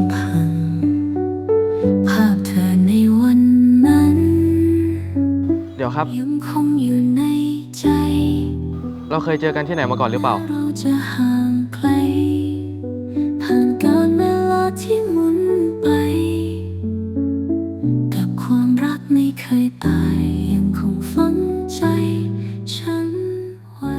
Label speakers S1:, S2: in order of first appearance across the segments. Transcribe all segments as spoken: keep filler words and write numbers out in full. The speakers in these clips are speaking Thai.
S1: ำพังภาพเธอในวันนั้น
S2: เดี๋ยวครับ
S1: ยังคงอยู่ในใจ
S2: เราเคยเจอกันที่ไหนมาก่อนหรือเปล่า
S1: เราจะห่างไกลผ่านกาลเวลาที่หมุนไปกับความรักไม่เคยตายยังคงฝังใจฉันไว้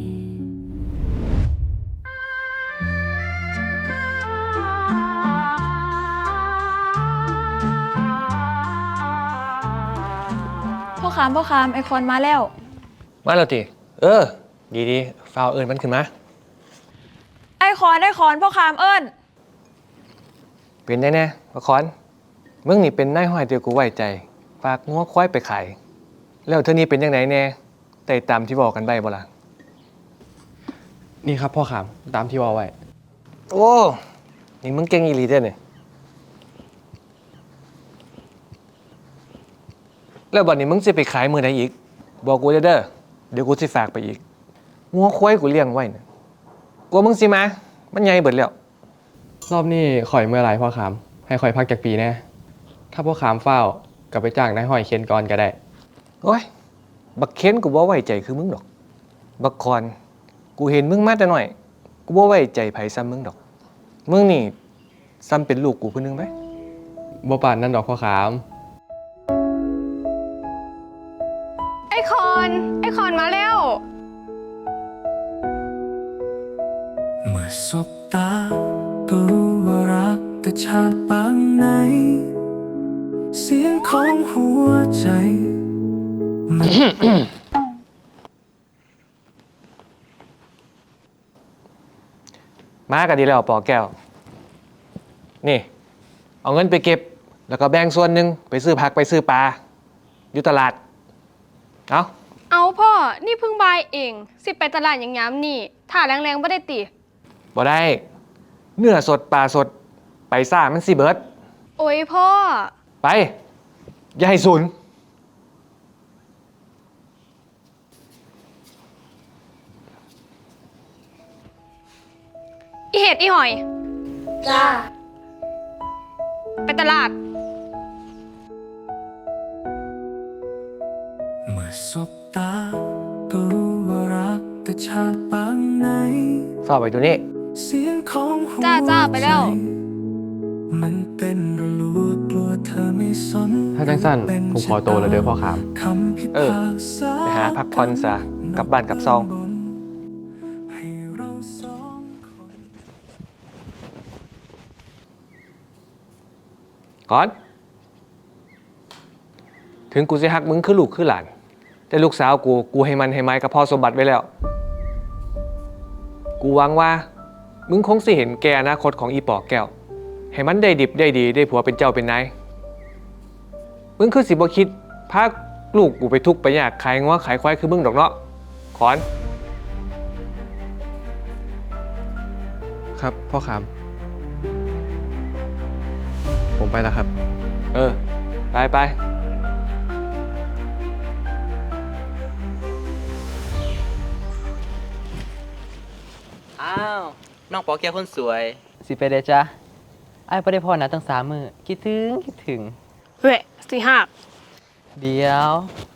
S3: พ่อขามพ่อขามไอคอนมาแล้ว
S4: มาแล้วติเออดีดีฟาวเอิญมันขึ้นมา
S3: ไอคอนไอคอนพ่อขามเอิญ
S4: เป็นแน่แน่พะคอนมึงนี่เป็นนายห้อยเดียวกูไว้ใจฝากงัวควายไปขายแล้วเท่านี้เป็นยังไงแน่แต่ตามที่บอกกันใบบ่ล่ะ
S2: นี่ครับพ่อขามตามที่ว่าไว้
S4: โอ้นี่มึงเก่งอีหลีเด้อเนี่ยแล้วบัดนี้มึงจะไปขายมือใดอีกบอกกูเด้อเดี๋ยวกูสิฝากไปอีกงัวควายกูเลี้ยงไว้เนี่ยกลัวมึงสิมามันใหญ่เบิดแล้ว
S2: รอบนี้ข่อยเมื่อไรพ่อขามให้ข่อยพักจากปีแน่ถ้าพ่อขามเฝ้ากลับไปจ้างนายห้อยเคนก่อนก็ได้
S4: โอ้ยบักเค้นกูบ่ไว้ใจคือมึงดอกบักคอนกูเห็นมึงมาแต่น้อยกูบ่ไว้ใจไผซ้ำมึงดอกมึงนี่ซ้ำเป็นลูกกูผู้นึงไหม
S2: บ่ปานนั่นดอกพ่อขาม
S3: ไอคอนไอคอนมาแล้ว
S1: เมื่อสบตาก็รู้ว่ารักแต่ชาติปางไหนเสียงของหัวใจมัน
S4: มาก็ดีแล้วปอแก้วนี่เอาเงินไปเก็บแล้วก็แบ่งส่วนหนึ่งไปซื้อผักไปซื้อปลาอยู่ตลาดเอา
S3: เอาพ่อนี่เพิ่งบายเองสิไปตลาดอย่างย้ำนี่ถ่าแรงๆไม่ได้ติ
S4: บ่ได้เนื้อสดปลาสดไปซ่ามันสิเบิร์ด
S3: โอ้ยพ่อ
S4: ไปอย่าให้สูญ
S3: อีเห็ดอีหอยจ้าไปตลาด
S1: เมื่อสบตาก็รู้ว่ารักแต่ชาติปางไหน
S4: ฝากไปตัวนี้
S1: เสียงของหัวใจ
S3: จ้าจ้าไปแล้ว
S1: มันเป็นระลูกลัวเธอไม่สน
S2: ถ้าจังสั้นผมขอโตแล้วเด้อพ่อขาม
S4: เออไปหาพักผ่อนซะกลับบ้านกลับซองก่อนถึงกูจะหักมึงคือลูกคือหลานแต่ลูกสาวกูกูให้มันให้ไม้กับพ่อสมบัติไว้แล้วกูหวังว่ามึงคงสิเห็นแกอนาคตของอีปอกแก้วให้มันได้ดิบได้ดีได้ผัวเป็นเจ้าเป็นนายมึงคือสิบ่คิดพาลูกกูไปทุกข์ไปยากขายงัวขายควายคือมึงดอกเนาะขอน
S2: ครับพ่อขามผมไปแล้วครับ
S4: เออไปไป
S5: อ้าวน้องปอแก้วคนสวย
S6: สิไปเลยจ้ะไอ้ไม่ได้พอนะตั้งสามมือคิดถึงคิดถึง
S3: เฮ้ยสี่หัก
S6: เดี๋ยว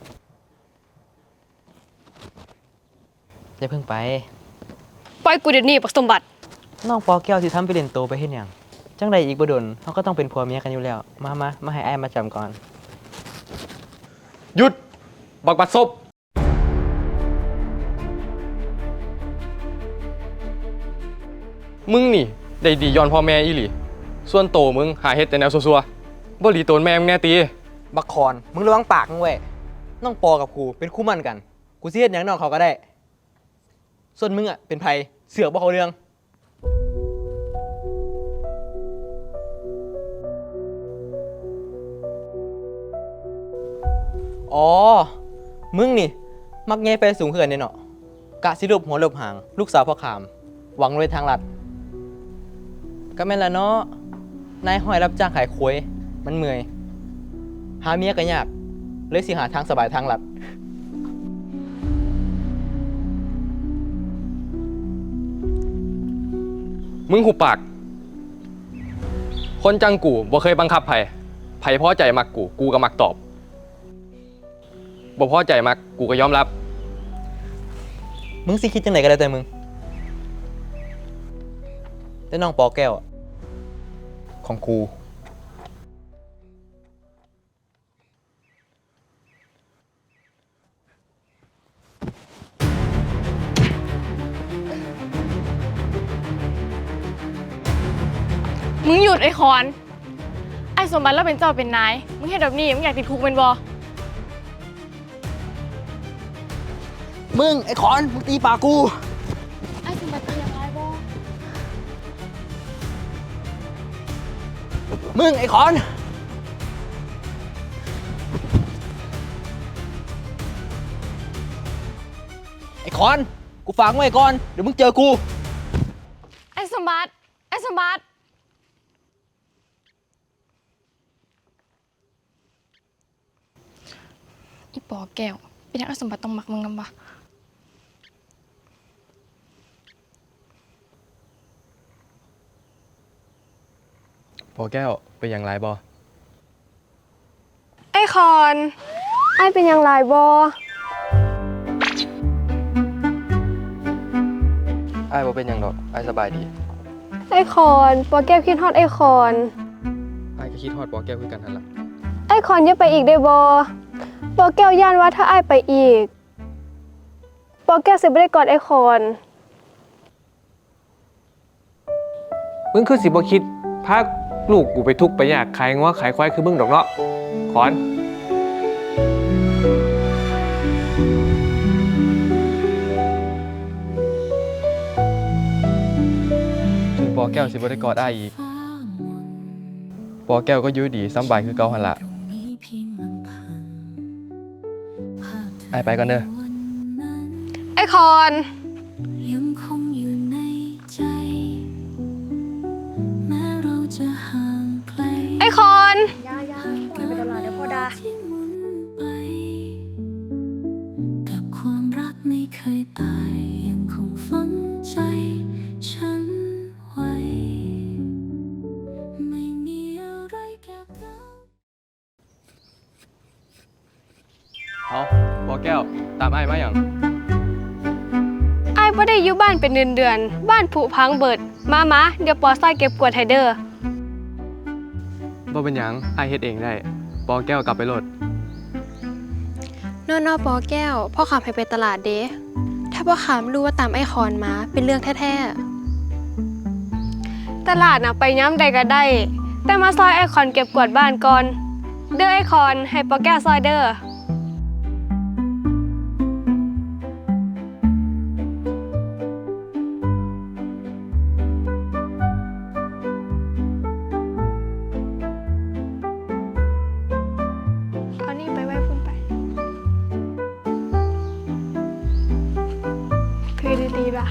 S6: จะเพิ่งไป
S3: ปล่อยกูเดี๋ยวนี้ปักสมบัติ
S6: น้องปอแก้วที่ทำไปเล่นโตไปเห็นอย่างจังใดอีกบ่ดนเขาก็ต้องเป็นผัวเมียกันอยู่แล้วมามามาให้ไอ้มาจำก่อน
S2: หยุดบักบัดซบมึงนี่ได้ดีย้อนพ่อแม่อีหลีส่วนโตมึงหาเฮ็ดแต่แนวซัวๆบ่หลีโตนแม่มึงแน่ตี
S6: บักคอนมึงระวังปากมึงเว้ยน้องปอกับกูเป็นคู่มั่นกันกูสิเฮ็ดหยังน้องเขาก็ได้ส่วนมึงอ่ะเป็นไผเสือกบ่เขาเรื่องอ๋อมึงนี่มักแง่ไปสูงเขื่อนเนี่ยเนาะกะสิรูปหัวรูปหางลูกสาวพ่อขามหวังรวยทางลัดก็แม่นละเนาะนายห้อยรับจ้างขายควยมันเมื่อยหาเมียก็ยากเลยสิหาทางสบายทางลัด
S2: มึงหุบปากคนจังกูบ่เคยบังคับไผไผพอใจมักกู กูก็มักตอบบ่พอใจมักกูก็ยอมรับ
S6: มึงสิคิดจังไหนก็แล้วแต่มึง แต่น้องปอแก้วอะของกู
S3: มึงหยุดไอ้คอน ไอ้สมบัติเราเป็นเจ้าเป็นนาย มึงเห็นแบบนี้มึงอยากติดคุกเป็นบอ
S6: มึง ไอ้ขอน มึงตีปากกู
S3: ไอ้สมบัติเป็นยังไงบอ
S6: มึง ไอ้ขอน ไอ้ขอน กูฝากไว้ก่อน เดี๋ยวมึงเจอกู
S3: ไอ้สมบัติ ไอ้สมบัติ อีปอแก้ว เป็นยังไอ้สมบัติต้องมักมึงนำวะ
S2: พอแก้วเป็นอย่างไรบอ
S3: ไอ้คอน ไอ้เป็นยังไงบอ
S2: ไอ้บ่เป็นอย่างดอกไอ้สบายดี
S3: ไอ้คอนปอแก้วคิดฮอดไอ้คอน
S2: ไอ้ก็คิดฮอดพอแก้วคือกันนั่นล่ะ
S3: ไอ้คอนอย่าไปอีกได้บอปอแก้วย่านว่าถ้าไอ้ไปอีกปอแก้วสิบ่ได้กอดไอ้คอน
S4: มึงคือสิบ่คิดพาลูกกูไปทุกข์ไปยากขายงัวขายควายคือมึงดอกเนาะขอน
S2: ถึงปอแก้วสิบ่ได้กอดอ้ายอีก ปอแก้วก็อยู่ดีสำบายคือเก่าหั่นล่ะอ้ายไปก่อนเด้อ
S3: ไอ้คอน
S7: ยังคงอยู่ในใจ แม้เราจะห่างไกล
S3: ไอ้คอน
S7: ที่หมุนไปกับความรักไม่เคยตาย ยังคงฝังใจฉันไว้ ไม่มีอะไรเก็บเรา
S2: เอาปอแก้วตามอ้ายมาหยัง
S3: ไอ้บ่ได้อยู่บ้านเป็นเดือนเดือนๆบ้านผุพังเบิด มามาเดี๋ยวปอซอยเก็บกวาดไฮเดอร์
S2: บ่เป็นหยังอ้ายเฮ็ดเองได้ ปอแก้วกลับไปโลด
S3: นอนอปอแก้ว พ่อขามให้ไปตลาดเด้ถ้าพ่อขามรู้ว่าตามไอ้คอนมาเป็นเรื่องแท้ๆ ตลาดน่ะไปย้ำใดก็ได้ แต่มาซอยไอ้คอนเก็บกวาดบ้านก่อน เด้อไอ้คอนให้ปอแก้วซอยเด้อ เอานี่ไปไว้พุ่นไปคือดีๆป่ะ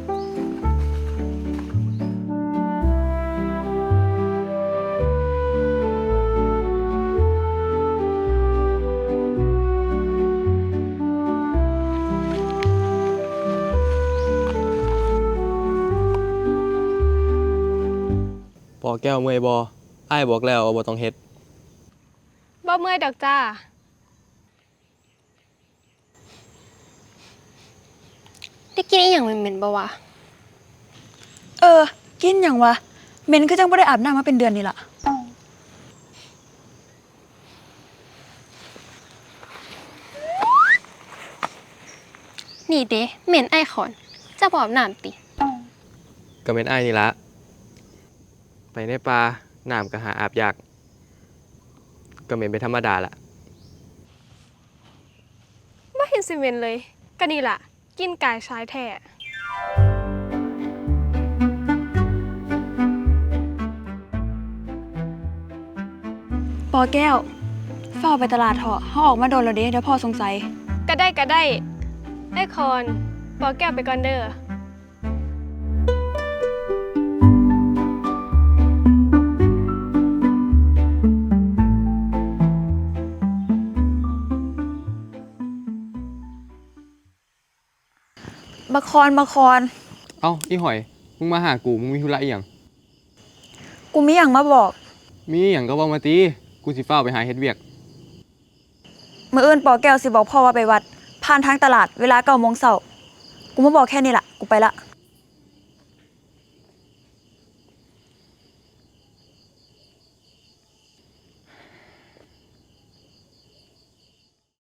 S2: ปอแก้วเมื่อยบ่อ้ายบอกแล้วว่าบ่ต้องเฮ็ด
S3: บ่เมื่อยดอกจ้า ได้กินอีหยังเหม็นๆบ่วะ
S8: เออ กินอย่างวะเหม็นคือจังบ่ได้อาบน้ำมาเป็นเดือนนี่ล่ะ
S3: นี่เด้เหม็นไอคอนเจะบอบน้ำติ
S2: ก็เป็นอ้ายนี่ละไปในป่าน้ำก็หาอาบยาก ก็เหม็นเป็นธรรมดาละ
S3: ไม่เห็นสิเหม็นเลย ก็นี่ล่ะ กินกายชายแท้
S8: ปอแก้วเฝ้าไปตลาดเถอะเขาออกมาโดนแล้วเด้เดี๋ยวพ่อสงสัย
S3: ก็ได้ก็ได้ ไอคอนปอแก้วไปก่อนเด้อ
S8: บะคอนบะคอน
S2: เอ้าอีหอย มึงมาหากู มึงมีธุระอีหยัง
S8: กูมีอย่างมาบอก
S2: มีหยังก็เว้ามาติกูสิฟ้าวไปหาเฮ็ดเวียก
S8: มื้ออื่นปอแก้วสิบอกพ่อว่าไปวัด ผ่านทางตลาดเวลาเก้าโมงเช้ากูมาบอกแค่นี้ล่ะ กูไปละ